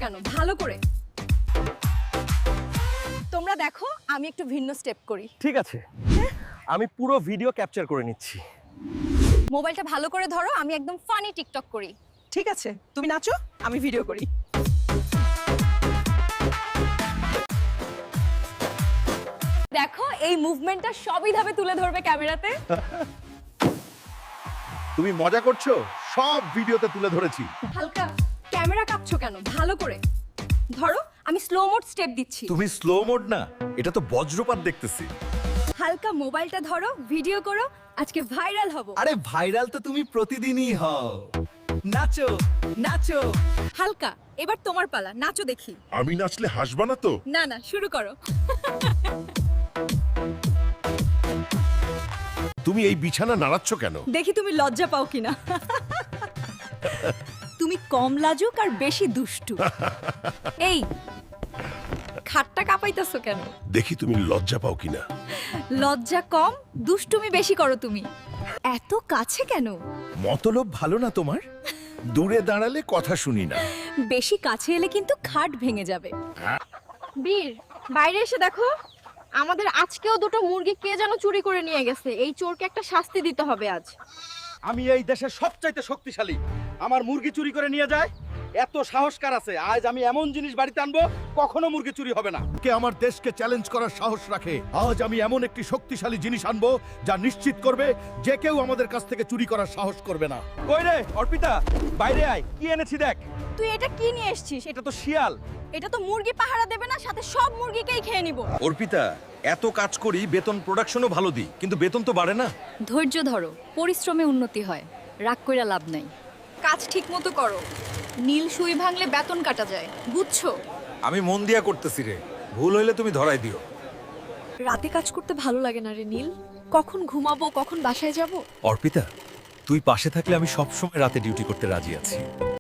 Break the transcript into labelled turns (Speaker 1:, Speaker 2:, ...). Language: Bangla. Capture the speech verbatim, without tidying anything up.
Speaker 1: কেন ভালো করে? তোমরা দেখো আমি একটু ভিন্ন স্টেপ করি।
Speaker 2: ঠিক আছে, আমি পুরো ভিডিও ক্যাপচার করে নিচ্ছি।
Speaker 1: মোবাইলটা ভালো করে ধরো, আমি একদম ফানি টিকটক করি।
Speaker 3: ঠিক আছে, তুমি নাচো, আমি ভিডিও করি।
Speaker 1: দেখো এই মুভমেন্টটা সবই ধাপে তুলে ধরবে ক্যামেরাতে।
Speaker 4: তুমি মজা করছো? সব ভিডিওতে তুলে ধরেছি।
Speaker 1: হালকা ক্যামেরা কাঁপছো কেন ভালো করে ধরো, আমি স্লো মোড স্টেপ দিচ্ছি।
Speaker 4: তুমি স্লো মোড না, এটা তো বজ্রপাত দেখতেছি।
Speaker 1: হালকা মোবাইলটা ধরো, ভিডিও করো, আজকে ভাইরাল হব।
Speaker 4: আরে ভাইরাল তো তুমি প্রতিদিনই হও। নাচো নাচো।
Speaker 1: হালকা এবার তোমার পালা, নাচো দেখি।
Speaker 4: আমি নাচলে হাসবা না তো?
Speaker 1: না না, শুরু করো।
Speaker 4: তুমি এই বিছানা নাড়াচ্ছ কেন?
Speaker 1: দেখি তুমি লজ্জা পাও কিনা। তুমি কম লাজুক আর বেশি দুষ্টু। এই খাটটা কাঁপাইতেছো কেন?
Speaker 4: দেখি তুমি লজ্জা পাও কিনা।
Speaker 1: লজ্জা কম, দুষ্টুমি বেশি করো তুমি। এত কাছে কেন?
Speaker 4: মতলব ভালো না তোমার? দূরে দাঁড়ালে কথা শুনি না।
Speaker 1: বেশি কাছে এলে কিন্তু খাট ভেঙে যাবে। বীর, বাইরে এসে দেখো, আমাদের আজকেও দুটো মুরগি কে যেন চুরি করে নিয়ে গেছে। এই চোরকে একটা শাস্তি দিতে হবে আজ।
Speaker 2: আমি এই দেশের সবচাইতে শক্তিশালী, আমার মুরগি চুরি করে নিয়ে যায়, এত সাহস কার আছে? আজ আমি এমন জিনিস বাড়িতে আনবো কখনো মুরগি চুরি হবে না।
Speaker 4: কে আমার দেশকে চ্যালেঞ্জ করার সাহস রাখে? আজ আমি এমন একটি শক্তিশালী জিনিস আনবো যা নিশ্চিত করবে যে কেউ আমাদের কাছ থেকে চুরি করার সাহস করবে না।
Speaker 2: কই রে অর্পিতা, বাইরে আয়, কি এনেছি দেখ।
Speaker 1: তুই এটা কি নিয়ে এসেছিস?
Speaker 2: এটা তো শিয়াল।
Speaker 1: এটা তো মুরগি পাহারা দেবে না, সাথে সব মুরগিকেই খেয়ে নিব।
Speaker 5: অর্পিতা, এত কাজ করি, বেতন প্রোডাকশনও ভালো দিই, কিন্তু বেতন তো বাড়ে না।
Speaker 1: ধৈর্য ধরো, পরিশ্রমে উন্নতি হয়, রাগ কইরা লাভ নাই। কাজ ঠিক মতো করো, নীল সুই ভাঙলে বেতন কাটা যায়, বুঝছো?
Speaker 5: আমি মন দিয়া করতেছি রে, ভুল হইলে তুমি ধরাই দিও।
Speaker 1: রাতে কাজ করতে ভালো লাগে না রে নীল, কখন ঘুমাবো কখন বাসায় যাব।
Speaker 5: অর্পিতা, তুই পাশে থাকলে আমি সবসময় রাতে ডিউটি করতে রাজি আছি।